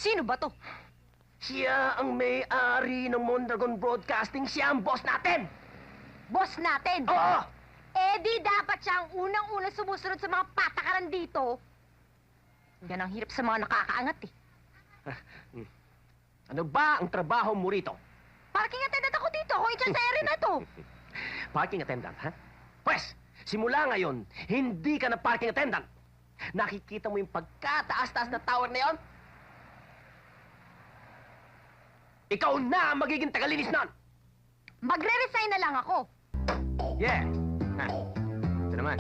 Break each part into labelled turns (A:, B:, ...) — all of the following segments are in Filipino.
A: Sino ba to?
B: Siya ang may-ari ng Mondragon Broadcasting. Siya ang boss natin!
A: Boss natin?
B: Oo!
A: Eh di dapat siya ang unang-unang sumusunod sa mga patakaran dito. Yan ang hirap sa mga nakakaangat eh.
B: Ano ba ang trabaho mo rito?
A: Parking attendant ako dito. Ako ityan sa area na to.
B: Parking attendant, ha? Pwes, simula ngayon, hindi ka na parking attendant. Nakikita mo yung pagkataas-taas na tower na yon? Ikaw na ang magiging tagalinis nun!
A: Magre-resign na lang ako.
B: Yeah. Ha. Ito naman.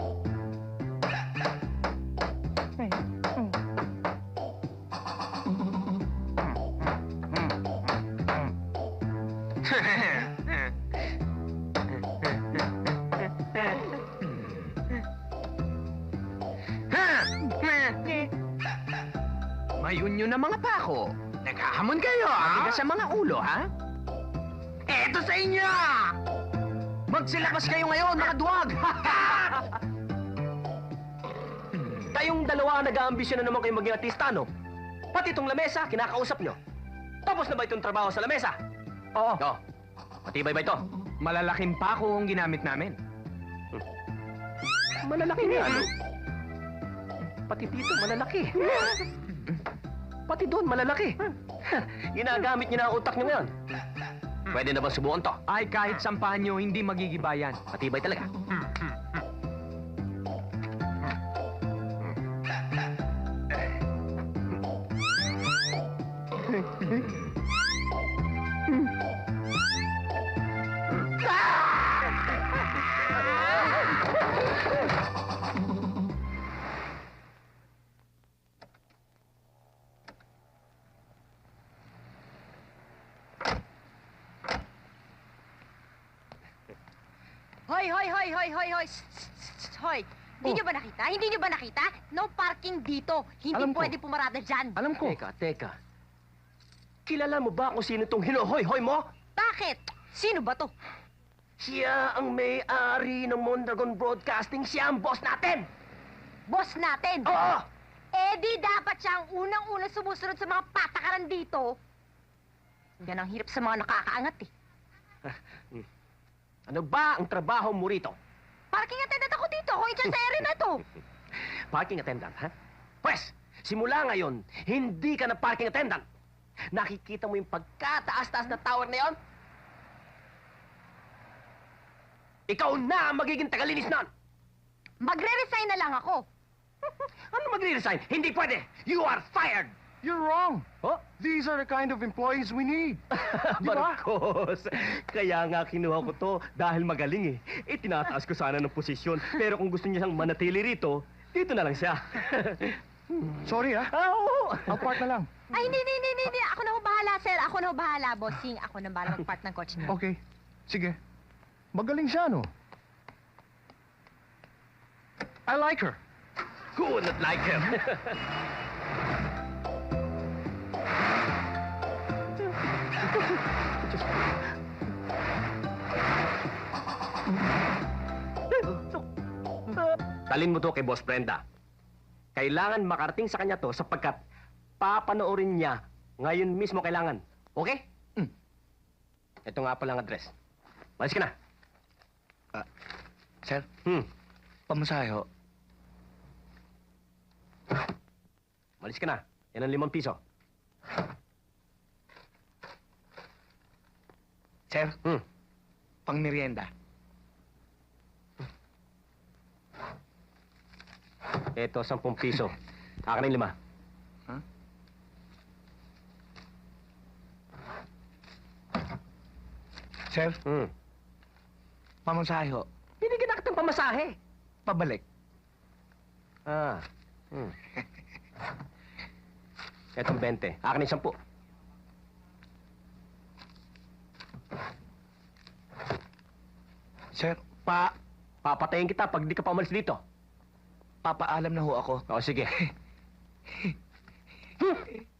C: May unyo na mga pako. Naghahamon kayo, ha? Matigas sa mga ulo, ha? Eto sa inyo! Magsilakas kayo ngayon, mga duwag!
B: Kayong dalawa nag-aambisyon na naman kayong maging artista, no? Pati itong lamesa, kinakausap nyo. Tapos na ba itong trabaho sa lamesa?
C: Oo.
B: Oo. Matibay ba ito?
C: Malalaking pako ang ginamit namin.
B: Malalaki nga, ano? Pati dito, malalaki. Pati doon, malalaki. Ginagamit niyo na ang utak niyo ngayon. Pwede na bang subukan to?
C: Ay, kahit sampahan nyo, hindi magigibayan.
B: Matibay talaga.
A: Hoy, hoy, hoy, hoy, hoy, hoy. Hoy. Hindi nyo ba nakita? Hindi nyo ba nakita? No parking dito. Hindi
B: Alam ko.
A: pwede pumarada dyan.
B: Alam ko. Teka. Kilala mo ba kung sino itong hinuhoy-hoy mo?
A: Bakit? Sino ba to?
B: Siya ang may-ari ng Mondragon Broadcasting. Siya ang boss natin!
A: Boss natin?
B: Oo!
A: Eh di dapat siya ang unang-unang sumusunod sa mga patakaran dito. Yan ang hirap sa mga nakakaangat eh.
B: Ano ba ang trabaho mo rito?
A: Parking attendant ako dito. Ako ityan sa area na to.
B: Parking attendant, ha? Pwes, simula ngayon, hindi ka na parking attendant. Nakikita mo yung pagkataas-taas na tower na yon? Ikaw na ang magiging tagalinis nun!
A: Magre-resign na lang ako.
B: Ano magre-resign? Hindi pwede! You are fired!
D: You're wrong.
B: Oh?
D: These are the kind of employees we need. Di ba?
B: Marcos, kaya nga kinuha ko to dahil magaling eh. Tinataas ko sana ng posisyon. Pero kung gusto niya siyang manatili rito, dito na lang siya.
D: Sorry, ha?
B: Oo!
D: Apart na lang.
A: Ay, hindi. Ako na ho bahala, sir. Ako na ho bahala, bossing. Ako na bahala mag-part ng coach niyo.
D: Okay. Sige. Magaling siya, no? I like her.
B: Who would not like him? Talin mo to kay Boss Brenda. Kailangan makarating sa kanya to sapagkat papanoorin niya ngayon mismo kailangan. Okay? Ito nga pala ang address. Malis ka na.
D: Sir,
B: Hmm.
D: pamasahe ho.
B: Malis ka na. Yan ang 5 piso.
D: Sir,
B: Hmm.
D: pang merienda.
B: Ito, 10 piso. Akin ang 5.
D: Huh? Sir,
B: Hmm.
D: pamasahe ho.
B: Binigyan na kitang pamasahe.
D: Pabalik.
B: Ah. Hmm. Etong 20. Akin ang 10.
D: Sir,
B: Papatayin kita pag di ka pa umalis dito.
D: papaalam na ho ako.
B: O, sige.